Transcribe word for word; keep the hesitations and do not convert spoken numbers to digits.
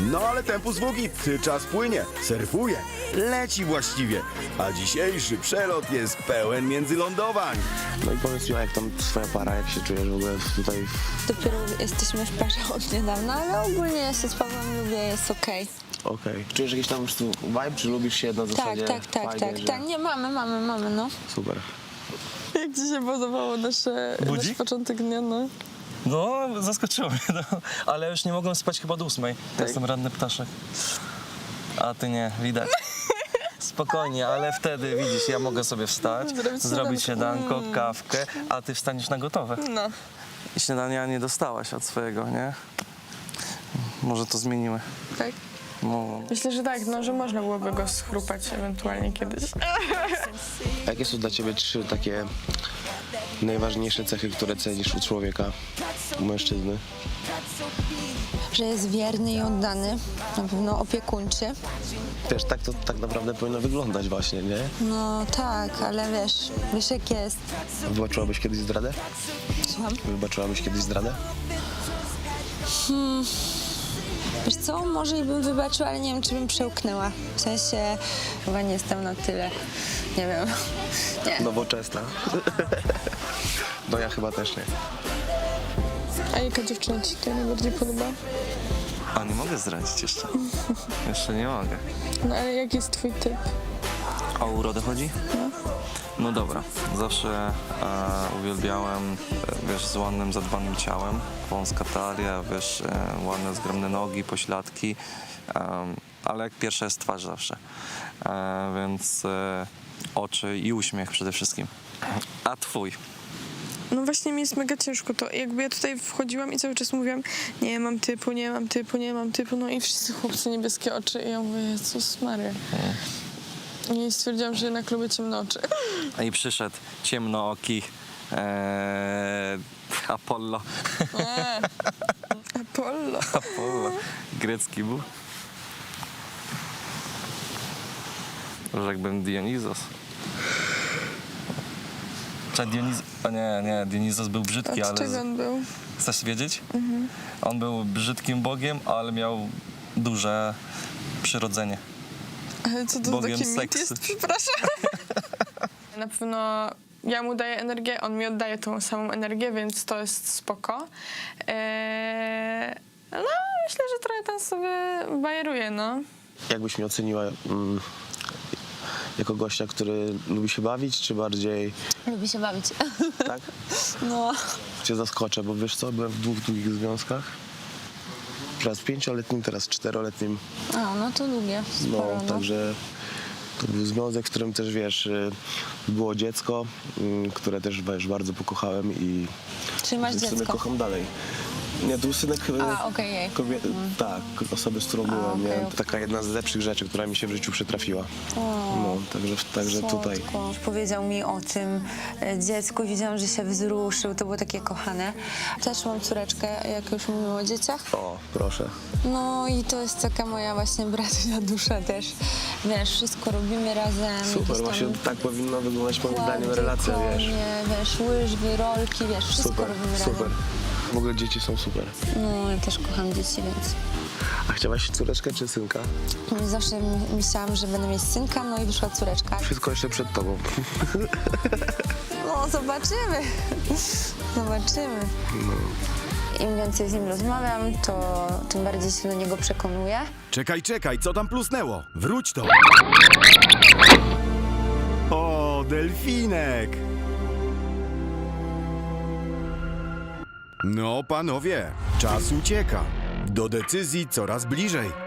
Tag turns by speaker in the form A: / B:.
A: No ale tempus wugit, czas płynie, surfuje, leci właściwie, a dzisiejszy przelot jest pełen międzylądowań.
B: No i powiedz mi, jak tam twoja para, jak się czujesz w ogóle tutaj?
C: Dopiero jesteśmy w parze od niedawna, ale ogólnie ja się z Pawłem lubię, jest okej.
B: Okej. Okay. Czujesz jakiś tam po prostu vibe, czy lubisz się na
C: Tak,
B: zasadzie?
C: tak, tak,
B: fajnie,
C: tak,
B: że...
C: tak, nie, mamy, mamy, mamy, no.
B: Super.
D: Jak ci się podobało nasze, nasz
E: Budzik?
D: początek dnia, no?
E: No, zaskoczyło mnie, no. Ale już nie mogłem spać chyba do ósmej. Ja jestem ranny ptaszek. A ty nie, widać. Spokojnie, ale wtedy, widzisz, ja mogę sobie wstać,
D: Zrobić
E: zrobić
D: śniadanko.
E: śniadanko, kawkę, a ty wstaniesz na gotowe.
D: No.
E: I śniadania nie dostałaś od swojego, nie? Może to zmienimy.
D: Tak?
E: No.
D: Myślę, że tak, no, że można byłoby go schrupać ewentualnie kiedyś.
B: A jakie są dla ciebie trzy takie najważniejsze cechy, które cenisz u człowieka, u mężczyzny?
C: Że jest wierny i oddany, na pewno opiekuńczy.
B: Też tak to tak naprawdę powinno wyglądać właśnie, nie?
C: No tak, ale wiesz, wiesz jak jest.
B: Wybaczyłabyś kiedyś zdradę?
C: Słucham?
B: Wybaczyłabyś kiedyś zdradę?
C: Wiesz co, może i bym wybaczyła, ale nie wiem, czy bym przełknęła. W sensie chyba nie jestem na tyle, nie wiem, nie.
B: Nowoczesna. No ja chyba też nie.
D: A jaka dziewczyna ci się najbardziej podoba?
E: A nie mogę zdradzić jeszcze. Jeszcze nie mogę.
D: No ale jaki jest twój typ?
E: O urodę chodzi? No dobra, zawsze e, uwielbiałem, e, wiesz, z ładnym, zadbanym ciałem, wąska talia, wiesz, e, ładne, zgromne nogi, pośladki, e, ale jak pierwsza jest twarz zawsze, e, więc e, oczy i uśmiech przede wszystkim. A twój?
D: No właśnie mi jest mega ciężko to. Jakby ja tutaj wchodziłam i cały czas mówiłam, nie mam typu, nie mam typu, nie mam typu, no i wszyscy chłopcy niebieskie oczy i ja mówię, Jezus Maria. I stwierdziłam, że jednak lubię ciemne oczy.
E: I przyszedł ciemnooki e, Apollo.
D: Nie. Apollo.
E: Apollo. Grecki był. Rzekłbym Dionizos. Czy Dioniz... O nie, nie, Dionizos był brzydki,
D: Od
E: ale...
D: czego
E: z-
D: on był?
E: Chcesz wiedzieć? Mhm. On był brzydkim bogiem, ale miał duże przyrodzenie.
D: Ale co to za
E: Bogiem
D: taki mit
E: seksu.
D: jest? Przepraszam. Na pewno ja mu daję energię, on mi oddaje tą samą energię, więc to jest spoko. Eee, no, myślę, że trochę tam sobie bajeruje, no.
B: Jakbyś mnie oceniła mm, jako gościa, który lubi się bawić, czy bardziej
C: Lubi się bawić.
B: tak?
C: No.
B: Cię zaskoczę, bo wiesz co, byłem w dwóch długich związkach. Raz pięcioletnim, teraz czteroletnim.
C: A, no to lubię,
B: No,
C: sporo, no.
B: także to był związek, w którym też, wiesz, y, było dziecko, y, które też, wiesz, bardzo pokochałem i
C: Czyli masz
B: w sumie
C: dziecko?
B: kocham dalej. Nie, to był synek y,
C: A, okej, jej.
B: kobie- tak, osoby, z którą byłem,
C: okej,
B: nie?
C: okej.
B: To taka jedna z lepszych rzeczy, która mi się w życiu przytrafiła. No, także, także tutaj.
C: Słodko. Powiedział mi o tym e, dziecku i wiedziałam, że się wzruszył. To było takie kochane. Też mam córeczkę, jak już mówimy o dzieciach.
B: O, proszę.
C: No i to jest taka moja właśnie bratnia dusza też. Wiesz, wszystko robimy razem.
B: Super,
C: jakieś tam
B: właśnie tak powinna wyglądać moim zdaniem
C: kłady,
B: relacja, wiesz.
C: konie, wiesz, łyżwy, rolki, wiesz, wszystko
B: Super,
C: robimy
B: super.
C: razem.
B: W ogóle dzieci są super.
C: No, ja też kocham dzieci, więc
B: A chciałaś córeczkę czy synka?
C: zawsze my- myślałam, że będę mieć synka, no i wyszła córeczka.
B: Wszystko jeszcze przed tobą.
C: No, zobaczymy. Zobaczymy. Im więcej z nim rozmawiam, to tym bardziej się do niego przekonuję.
A: Czekaj, czekaj, co tam plusnęło? Wróć to! O, delfinek! No, panowie, czas ucieka. Do decyzji coraz bliżej.